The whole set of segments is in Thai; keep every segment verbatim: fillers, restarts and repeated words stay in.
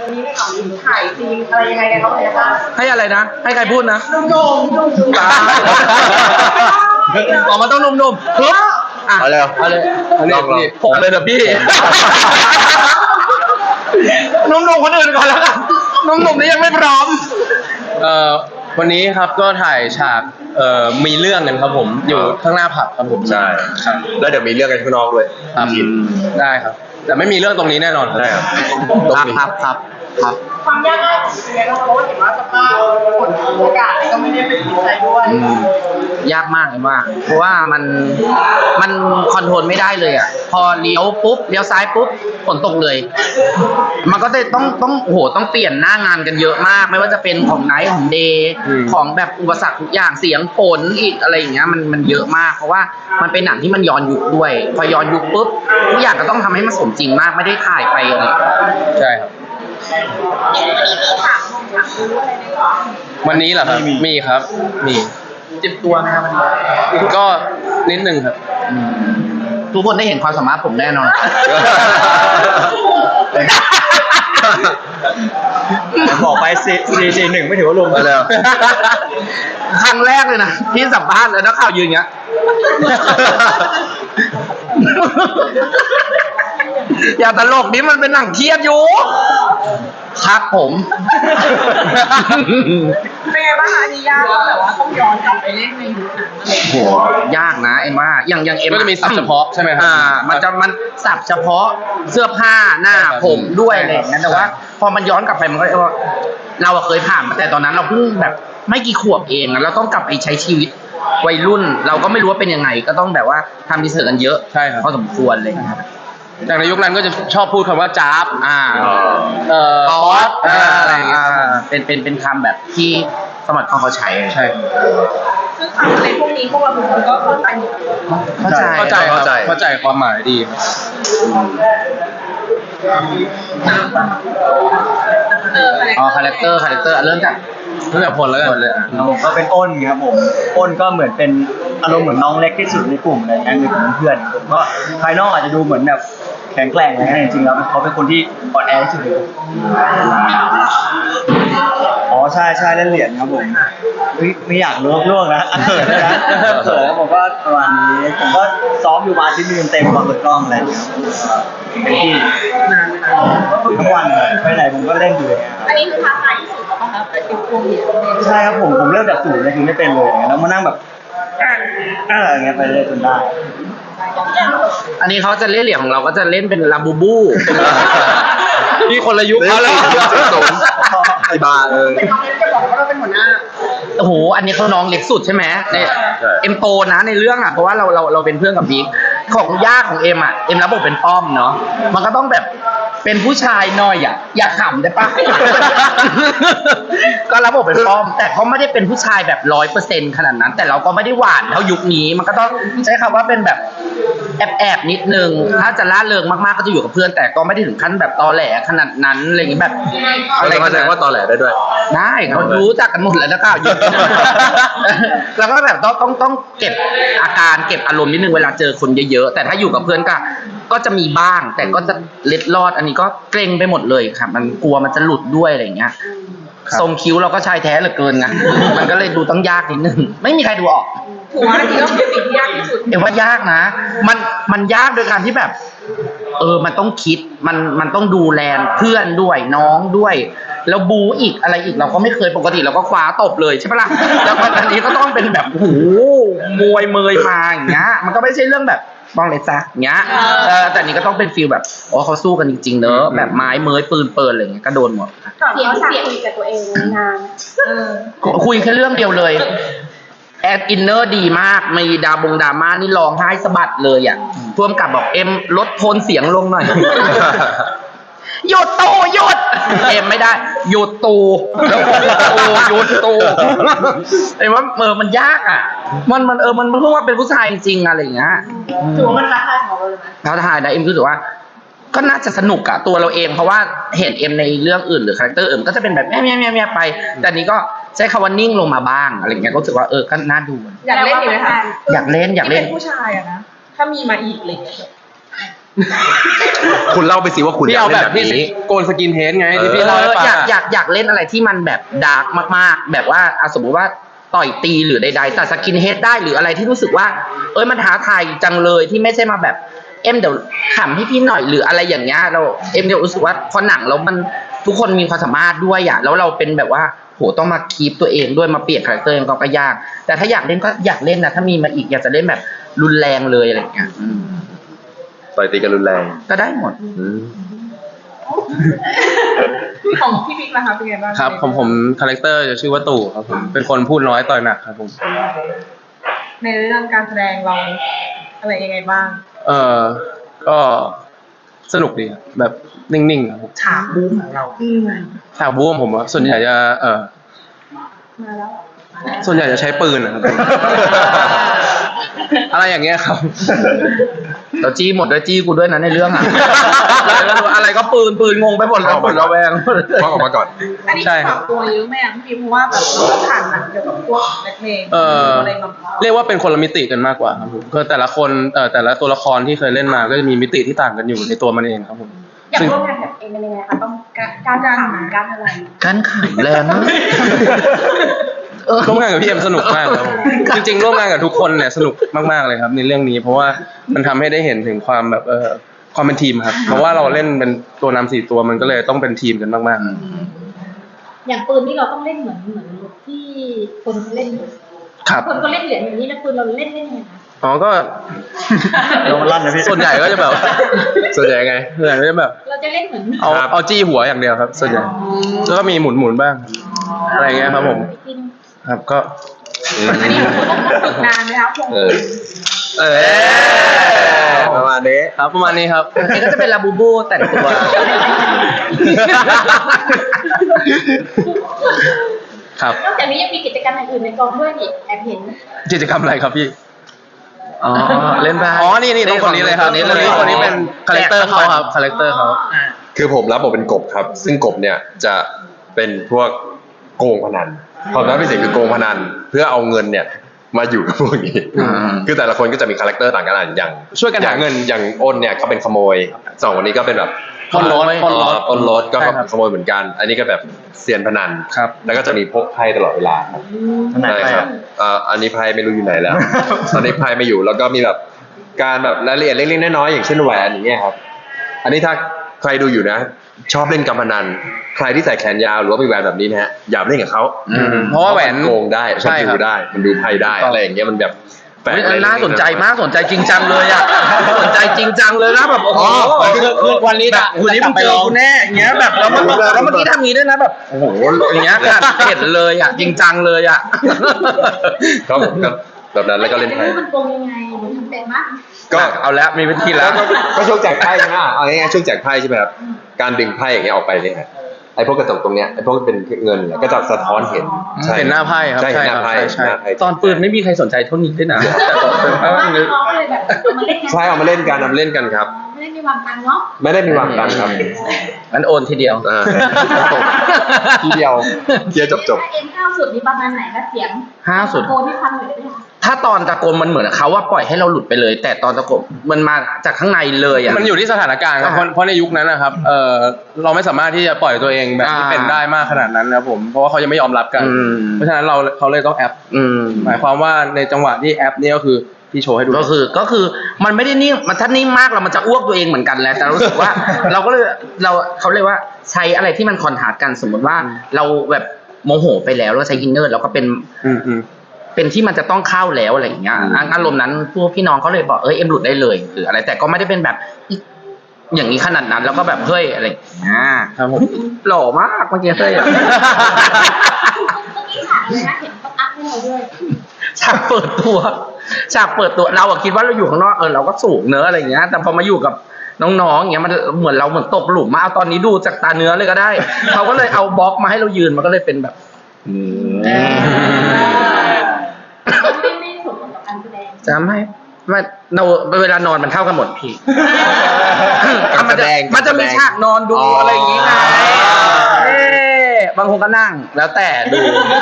วันนี้ในของถ่ายซีนอะไรยังไงกันบ้างคะให้อะไรนะให้ใครพูดนะนุ่มๆนุ่มๆตาออกมาต้องนุ่มๆปึ๊บอ่ะเอาเลยเอาเลยเอาเลยผมเลยนะพี่นุ่มๆคนอื่นก่อนแล้วกันนุ่มๆนี่ยังไม่พร้อมเอ่อวันนี้ครับก็ถ่ายฉากเอ่อมีเรื่องกันครับผมอยู่ข้างหน้าผับครับผมใช่ครับแล้วเดี๋ยวมีเรื่องกันข้างนอกด้วยครับได้ครับแต่ไม่มีเรื่องตรงนี้แน่นอนได้ครับครับครับครับความยากง่ายของซีนเราเพราะว่าเห็นว่าสภาพฝนอากาศก็ไม่ได้เป็นใจด้วยยากมากเลยว่าเพราะว่ามันมันคอนโทรลไม่ได้เลยอ่ะพอเลี้ยวปุ๊บเลี้ยวซ้ายปุ๊บฝนตกเลยมันก็จะต้องต้องโอ้โหต้องเปลี่ยนหน้างานกันเยอะมากไม่ว่าจะเป็นของไนท์ของเดย์ของแบบอุปสรรคทุกอย่างเสียงฝนอีกอะไรอย่างเงี้ยมันมันเยอะมากเพราะว่ามันเป็นหนังที่มันย้อนยุคด้วยพอย้อนยุคปุ๊บทุกอย่างก็ต้องทำให้มันสมจริงมากไม่ได้ถ่ายไปเลยใช่ครับวันนี้เหรอครับมีครับมีเจ็บตัวไหมครับก็นิดนึงครับทุกคนได้เห็นความสามารถผมแน่นอนบอกไปซีซีหนึ่งไม่ถือว่าลงไปแล้วครั้งแรกเลยนะที่สัมภาษณ์แล้วนักข่าวยืนอย่างเงี้ยอย่าตลกนี่มันเป็นหนังเครียดอยู่ครับผมเป็นไงบ้างคะอันนี้ยากแต่ว่าต้องย้อนกลับไปเล่นในยุคนั้นโหยากนะเอ็มว่าอย่างอย่างเอ็มก็จะมีศัพท์เฉพาะใช่ไหมครับอ่ามันจะมันศัพท์เฉพาะเสื้อผ้าหน้าผมด้วยอะไรอย่างเงี้ยแต่ว่าพอมันย้อนกลับไปมันก็เราเคยผ่านมาแต่ตอนนั้นเราเพิ่งแบบไม่กี่ขวบเองเราต้องกลับไปใช้ชีวิตวัยรุ่นเราก็ไม่รู้ว่าเป็นยังไงก็ต้องแบบว่าทำรีเสิร์ชกันเยอะใช่ครับพอสมควรเลยครับจากในยุคนั้นก็จะชอบพูดคำว่าจ๊าบอ่าเอ่อป๊อตอะไรอย่างเงี้ยเป็นเป็นเป็นคำแบบที่สมัยก่อนเขาใช้ใช่ซึ่งคำในพวกนี้พวกเราก็เข้าใจเข้าใจเข้าใจเข้าใจเข้าใจความหมายดีอ๋อคาแรคเตอร์คาแรคเตอร์เริ่มจากเริ่มจากผลแล้วกันเลยก็เป็นอ้นครับผมอ้นก็เหมือนเป็นอารมณ์เหมือนน้องเล็กที่สุดในกลุ่มอะไรเงี้ยคือเพื่อนผมก็ภายนอกอาจจะดูเหมือนแบบแข็งแกร่งอะไรเงี้ยจริงๆแล้วเขาเป็นคนที่อ่อนแอที่สุดอ๋อใช่ใช่เล่นเหรียญครับผมไม่ไม่อยากลวกลวกนะเขินนะเขินแล้วผมก็ประมาณนี้ผมก็ซ้อมอยู่มาชิ้นนึงเต็มก่อนเปิดกล้องอะไรเงี้ยเป็นที่ทุกวันไปไหนผมก็เล่นอยู่เลยอันนี้คือท้าทายที่สุดป่ะครับไอ้ติวพวกนี้ใช่ครับผมผมเริ่มจากศูนย์เลยคือไม่เป็นเลยแล้วมานั่งแบบอะไรเงี้ยไปเรื่อยจนได้อันนี้เขาจะเล่นเหรียญของเราก็จะเล่นเป็นลาบูบูนี่คนละยุคเขาแล้วไอ้บ้าเออเป็นน้องเล็กจะบอกว่าเราเป็นหัวหน้าโอ้โหอันนี้เขาน้องเล็กสุดใช่ไหมเนี่ยเอ็มโตนะในเรื่องอ่ะเพราะว่าเราเราเราเป็นเพื่อนกับบิ๊กของย่าของเอ็มอ่ะเอ็มรับบทเป็นป้อมเนาะมันก็ต้องแบบเป็นผู้ชายหน่อยอ่ะอย่าขำได้ปะก็รับบทเป็นป้อมแต่เขาไม่ได้เป็นผู้ชายแบบร้อยเปอร์เซ็นต์ขนาดนั้นแต่เราก็ไม่ได้หวานเท่ายุคนี้มันก็ต้องใช้คำว่าเป็นแบบแอบแอบนิดนึงถ้าจะล่าเริงมากๆก็จะอยู่กับเพื่อนแต่ก็ไม่ได้ถึงขั้นแบบตอแหลขนาดนั้นอะไรอย่างงี้แบบอะไรก็แสดงว่าตอแหลได้ด้วยได้เขารู้จักกันหมดแล้วนะครับแล้วก็แบบต้องต้องต้องเก็บอาการเก็บอารมณ์นิดนึงเวลาเจอคนเยอะๆแต่ถ้าอยู่กับเพื่อนก็ก็จะมีบ้างแต่ก็จะเล็ดลอดอันนี้ก็เกรงไปหมดเลยครับมันกลัวมันจะหลุดด้วยอะไรอย่างเงี้ยทรงคิ้วเราก็ชายแท้เหลือเกินนะมันก็เลยดูต้องยากนิดนึงไม่มีใครดูออกถือว่าอันนี้ก็เป็นสิ่งที่ยากที่สุดเอ็มว่ายากนะมันมันยากโดยการที่แบบเออมันต้องคิดมันมันต้องดูแลเพื่อนด้วยน้องด้วยแล้วบูอีกอะไรอีกเราก็ไม่เคยปกติเราก็คว้าตบเลยใช่ปะล่ะแล้วอันนี้ก็ต้องเป็นแบบโอ้โหมวยเมยมาอย่างเงี้ยมันก็ไม่ใช่เรื่องแบบบ้องเลยจ้ะเงี้ยเออแต่นี้ก็ต้องเป็นฟีลแบบอ๋อเขาสู้กันจริงๆเนอะแบบไม้เมยปืนเปิลอะไรเงี้ยก็โดนหมดเสียงเสียงคุยกับตัวเองนานคุยแค่เรื่องเดียวเลยแอดอินเนอร์ดีมากมีดาบงดราม่านี่ร้องไห้สะบัดเลยอ่ะพ่วงกับบอกเอ็มลดโทนเสียงลงหน่อยหยุดตูหยุดเอ็มไม่ได้หยุดตูหยุดตูไอ้ว่าเออมันยากอ่ะมันมันเออมันเพิ่งว่าเป็นผู้ชายจริงๆอะไรอย่างเงี้ยถือว่ามันท้าทายของเราเลยไหมท้าทายนะเอ็มรู้สึกว่าก็น่าจะสนุกอะตัวเราเองเพราะว่าเห็นเอ็มในเรื่องอื่นหรือคาแรคเตอร์อื่นก็จะเป็นแบบแม่แม่แม่แม่ไปแต่นี้ก็ใช้คำว่านิ่งลงมาบ้างอะไรเงี้ยก็รู้สึกว่าเออก็น่าดูอยากเล่นอยู่ไหมคะอยากเล่นอยากเล่นเป็นผู้ชายอะนะถ้ามีมาอีกเลยคุณเล่าไปสิว่าคุณพี่อยากเอาเล่แบนบแบบที่นี้โกนสกินเฮดไงเออที่พี่เล่าให้ฟังอยากอะอยากอยากเล่นอะไรที่มันแบบดาร์กมากๆ แบบว่าอ่ะสมมติว่าต่อยตีหรือใดๆแต่สกินเฮดได้หรืออะไรที่รู้สึกว่า เอ้ยมันท้าทายจังเลยที่ไม่ใช่มาแบบเอ็มเดี๋ยวขำให้พี่หน่อยหรืออะไรอย่างเงี้ยเราเอ็มเดี๋ยวรู้สึกว่าพอหนังแล้วมันทุกคนมีความสามารถด้วยอ่ะแล้วเราเป็นแบบว่าโหต้องมาคีปตัวเองด้วยมาเปลี่ยนคาแรคเตอร์เองก็ยากแต่ถ้าอยากเล่นก็อยากเล่นนะถ้ามีมาอีกอยากจะเล่นแบบรุนแรงเลยอะไรอย่างเงี้ยอืมต่อยตีกันรุนแรงก็ได้หมดอืมของพี่บิ๊กนะคะเป็นไงบ้างครับผมผมคาแรคเตอร์จะชื่อว่าตู่ครับผมเป็นคนพูดน้อยต่อยหนักครับผมในเรื่องการแสดงเราอะไรยังไงบ้างเออก็สนุกดีครับแบบนิ่งๆครับผมฉากบู๊ของเราอืมฉากบู๊ของผมอะส่วนใหญ่จะเออมาแล้วส่วนใหญ่จะใช้ปืนนะครับ อะไรอย่างเงี้ยครับเราจี้หมดด้วยจี้กูด้วยนะในเรื่องอะ อะไรก็ปืนปืนงงไปหมดแล้วหมดระแวงว่าออกมาก่อนอันนี้ใช่คปรัรับ บตัวเยอะไหมอ่ะพี่บิ๊กเพราะว่าแบบเราผ่านหนังเกี่ยวกับพวกแบล็คเมย์เอออะไรมาเรียกว่าเป็นคนละมิติกันมากกว่าครับผมคือแต่ละคนเอ่อแต่ละตัวละครที่เคยเล่นมาก็จะมีมิติที่ต่างกันอยู่ในตัวมันเองครับผมอยากซึ่งร่วมงานกับเองเป็นยังไงคะต้องการการการหาการอะไรการขายแรงมากเออร่วมงานกับพี่เอ็มสนุกมากครับผมจริงๆร่วมงานกับทุกคนเนี่ยสนุกมากๆเลยครับในเรื่องนี้ เพราะว่ามันทำให้ได้เห็นถึงความแบบเออความเป็นทีมครับเพราะว่าเราเล่นเป็นตัวนำสี่ตัวมันก็เลยต้องเป็นทีมกันมากๆอย่างปืนที่เราต้องเล่นเหมือนเหมือนที่คนเขาเล่นอยู่ครับคนก็เล่นเหรียญอย่างนี้แล้วปืนเราเล่นเล่นยังไงคะอ๋อก็โดนลั่นนะพี่ส่วนใหญ่ก็จะแบบส่วนใหญ่ไงส่วนใหญ่ก็จะแบบเราจะเล่นเหมือนเอาครับเอาจี้หัวอย่างเดียวครับ ส่วนใหญ่แล้วก็มีหมุนหมุนๆบ้าง อะไรเงี้ยครับผมไปกินครับก็อันนี้คุณต้องฝึกนานไหมคะพวกเออ เออประมาณนี้ครับประมาณนี้ครับนี่ก็จะเป็นลาบูบูแต่งตัวครับนอกจากนี้ยังมีกิจกรรมอย่างอื่นในกองด้วยนี่แอบเห็นกิจกรรมอะไรครับพี่อ๋อเล่นไปอ๋อนี่นี่ต้องคนนี้เลยครับคนนี้คนนี้เลยคนนี้เป็นคาแรคเตอร์เขาครับคาแรคเตอร์เขาคือผมรับบทเป็นกบครับ ซึ่งกบเนี่ยจะเป็นพวกโกงพนันความรับพิเศษคือโกงพนันเพื่อเอาเงินเนี่ยมาอยู่กับพวกนี้อืมคือแต่ละคนก็จะมีคาแรคเตอร์ต่างกันอ่ะอย่างช่วยกันหาเงินอย่างอ้นเนี่ยเขาเป็นขโมยสองคนนี้ก็เป็นแบบปล้นรถปล้นรถเอ่อปล้นรถก็ใช่ครับขโมยเหมือนกัน อันนี้ก็แบบเซียนพนันครับแล้วก็จะมีพกไพ่ตลอดเวลาครับทนายใช่ไพ่คครัรับบ เอ่ออันนี้ไพ่ไม่รู้อยู่ไหนแล้ว ตอนนี้ไพ่ไม่อยู่แล้วก็มีแบบการแบบรายละเอียดเล็กๆน้อยๆอย่างเช่นแหวนอย่างเงี้ยครับ อันนี้ถ้าใครดูอยู่นะ ชอบเล่นการพนันใครที่ใส่แขนยาวหรือว่ามีแหวนแบบนี้นะฮะอย่าไปเล่นกับเขาอืมเพราะว่าแหวนโกงได้ใช่มันครัดูบได้มันดูไพ่ได้อะไรอย่างเงี้ยมันแบบแปลกเฮ้ยอะไรน่าสนใจมากสนใจจริงจังเลยอ่ะสนใจจริงจังเลยนะแบบโอ้โหคือวันนี้แบบวันนี้มึงเจอกูแน่อย่างเงี้ยแบบแล้วมันแล้วเมื่อกี้ทำงี้ด้วยนะแบบโอ้โหอย่างเงี้ยกัดเผ็ดเลยอ่ะจริงจังเลยอ่ะครับผมก็แบบนั้นแล้วก็เล่นอยาไพ่รู้มันโกงยังไงหนูทำเป็นมั้ยก็เอาแล้วมีวิธีแล้วก็ก็ช่วงแจกไพ่ใช่ไหมเอาง่ายๆช่วงแจกไพ่ใช่ไหมครับการดึงไพ่อย่างเงี้ยออกไปเนี่ยฮะไอ้พวกกระจกตรงเนี้ยไอ้พวกเป็นเงินเนี่ยก็จะสะท้อนเห็นใช่เห็นหน้าไพ่ครับใช่เห็นหน้าไพ่ใช่หน้าไพ่ตอนปืนไม่มีใครสนใจเท่านี้ด้วยนะแต่ตอนปืนเพราะว่าน้องๆเลยแบบเอามาเล่นกันใช่เอามาเล่นกันเอามาเล่นกันครับไม่ได้มีวางตังค์เนาะไม่ได้มีวางตังค์ครับงั้นโอนทีเดียวอ่าทีเดียวเดียวจบจบเอ็มห้าวสุดนี่ประมาณไหนคะเสียงห้าวสุดตะโกนที่ฟังเลยได้ไหมคะถ้าตอนตะโกนมันเหมือนเขาว่าปล่อยให้เราหลุดไปเลย แต่ตอนตะโกนมันมาจากข้างในเลยอ่ะมันอยู่ที่สถานการณ์ครับเพราะเพราะในยุคนั้นนะครับเออเราไม่สามารถที่จะปล่อยตัวเองแบบที่อ่าเป็นได้มากขนาดนั้นนะครับผมเพราะว่าเขายังไม่ยอมรับกันอืมเพราะฉะนั้นเราเขาเลยต้องแอปอืมหมายความว่าในจังหวะที่แอปนี่ก็คือพี่โชว์ให้ดูก็คือก็คือมันไม่ได้นิ่งมันถ้านิ่งมากเรามันจะอ้วกตัวเองเหมือนกันแหละแต่รู้สึกว่า เราก็เลยเราเขาเรียกว่าใช้อะไรที่มันคอนทราสต์กันสมมติว่าเราแบบโมโหไปแล้วเราใช้อินเนอร์เราก็เป็นอืมอืมเป็นที่มันจะต้องเข้าแล้วอะไรอย่างเงี้ยอ่ะอารมณ์นั้นพวกพี่น้องเขาเลยบอกเอ้ยเอ็มหลุดได้เลยหรืออะไรแต่ก็ไม่ได้เป็นแบบอีอย่างนี้ขนาดนั้นแล้วก็แบบเฮ้ยอะไรอย่างเงี้ยครับผมหล่อมากเมื่อกี้เฮ้ยเมื่อกี้ฉากเลยนะเห็นเขาอัพให้เราด้วยฉากเปิดตัวฉากเปิดตัวเราอะคิดว่าเราอยู่ข้างนอกเออเราก็สูงเนื้อะอะไรอย่างเงี้ยแต่พอมาอยู่กับน้องๆอย่างเงี้ยมันเหมือนเราเหมือนตกหลุมมาเอาตอนนี้ดูจากตาเนื้อเลยก็ได้เขาก็เลยเอาบล็อกมาให้เรายืนมันก็เลยเป็นแบบอืมไม่ไม่สมกับการแสดงจะไม่ไม่เราเวลานอนมันเท่ากันหมดพี่มันจะมันจะมีฉากนอนดูอะไรอย่างงี้ไงเอ๊ะบางคนก็นั่งแล้วแต่ดู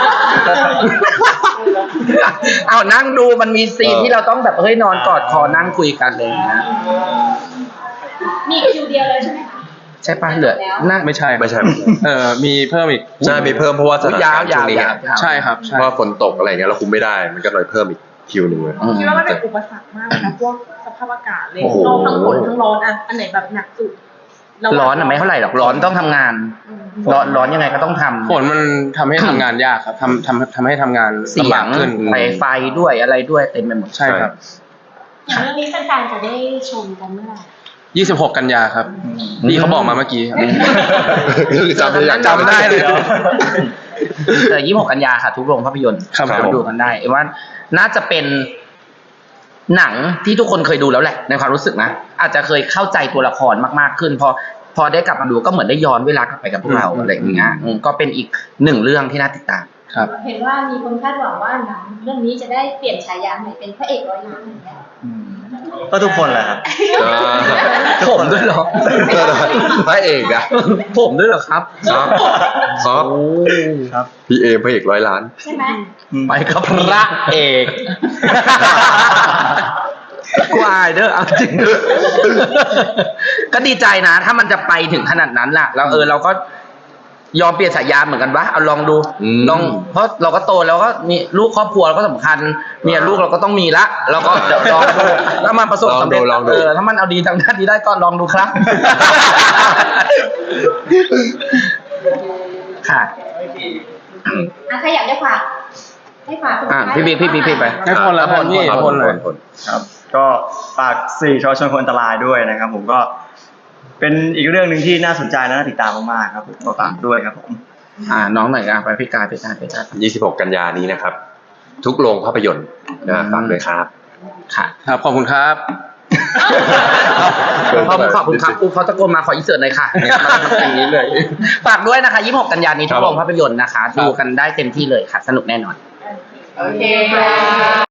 เอานั่งดูมันมีซีนที่เราต้องแบบเฮ้ยนอนกอดคอนั่งคุยกันอะไรอย่างเลยนะมีคิวเดียวเลยใช่ไหมคะใช่ปะเหลือน่าไม่ใช่ครับไม่ใช่ไม่ใช่เออมีเพิ่มอีกใช่มีเพิ่มเพราะว่าสถานการณ์ช่วงนี้ไงยาวๆใช่ครับใช่เพราะว่าฝนตกอะไรเงี้ยเราคุมไม่ได้มันก็เลยเพิ่มอีกคิวหนึ่งเลยอืมคิดว่ามันเป็นอุปสรรคมากเลยนะพวกสภาพอากาศเลยโอ้โหโลกทั้งฝนทั้งร้อนอ่ะอันไหนแบบหนักสุดเาร้อนอะไม่เท่าไหร่หรอกร้อนต้องทำงานอืมร้อนร้อนยังไงก็ต้องทำฝนมันทำให้ทำงานยากครับทำทำทำให้ทำงานเสียลำบาง กขึ้นไฟไฟด้วยอะไรด้วยเต็มไปหมดใช่ครับอย่างเรื่องนี้แฟนๆจะได้ชมกันเมื่อไหร่ยี่สิบหก กันยาครับพี่เขาบอกมาเมื่อกี้ครับจำไม่ได้จำไม่ได้เลยเหรอเออยี่สิบหกกันยาค่ะ ทุกโรงภาพยนตร์ครับสาผมมารถดูกันได้เอ็มว่าน่าจะเป็นหนังที่ทุกคนเคยดูแล้วแหละในความรู้สึกนะอาจจะเคยเข้าใจตัวละครมากๆขึ้นพอพอได้กลับมาดูก็เหมือนได้ย้อนเวลากลับไปกับพวกเราอะไรอย่างเงี้ยอืมก็เป็นอีกหนึ่งเรื่องที่น่าติดตามครับเห็นว่ามีคนคาดหวังว่าหนังเรื่องนี้จะได้เปลี่ยนฉายาใหม่เป็นพระเอกร้อยล้านอย่างเงี้ยก็ทุกคนแหละครับอ่าผมด้วยเหรอพระเอกอะผมด้วยเหรอครับครับครับโอ้ครับพี่เอพระเอกร้อยล้านใช่ไหมไปกับพระเอกกูอายเด้อเอาจริงก็ดีใจนะ ถ้ามันจะไปถึงขนาดนั้นล่ะแล้วเออเราก็ยอมเปลี่ยนฉายาเหมือนกันวะเอาลองดูอืมลองเพราะเราก็โตแล้วก็มีลูกครอบครัวเราก็สำคัญเมียลูกเราก็ต้องมีละเราก็เดี๋ยวลองดูถ้ามันประสบสำเร็จลองดูลองดูเออถ้ามันเอาดีทางด้านนี้ได้ก็ลองดูครับ ค่ะอ่ะใครอยากได้ฝากให้ฝากสุดอ่ะท้ายพี่บิ๊กพี่บิ๊กพี่ไปให้พลแล้วกันพี่ครับพลหน่อยพลครับ ก็ฝากสี่ชอชนคนอันตรายด้วยนะครับ ผมก็เป็นอีกเรื่องหนึ่งที่น่าสนใจและน่าติดตามมากๆครับผมก็ฝากด้วยครับผมอ่าน้องหน่อยอ่ะไปพี่กายพี่กายพี่กายยี่สิบหก กันยานี้นะครับ ทุกโรงภาพยนตร์นะฝากด้วยครับค่ะครับขอบคุณครับขอบคุณขอบคุณครับกูเขาตะโกนมาขออินเสิร์ตหน่อยค่ะเนี่ยมาทำอย่างนี้เลย ฝากด้วยนะคะยี่สิบหกกันยายนนี้ทุกโรงภาพยนตร์นะคะ ดูกันได้เต็มที่เลยค่ะ สนุกแน่นอนโอเคค่ะ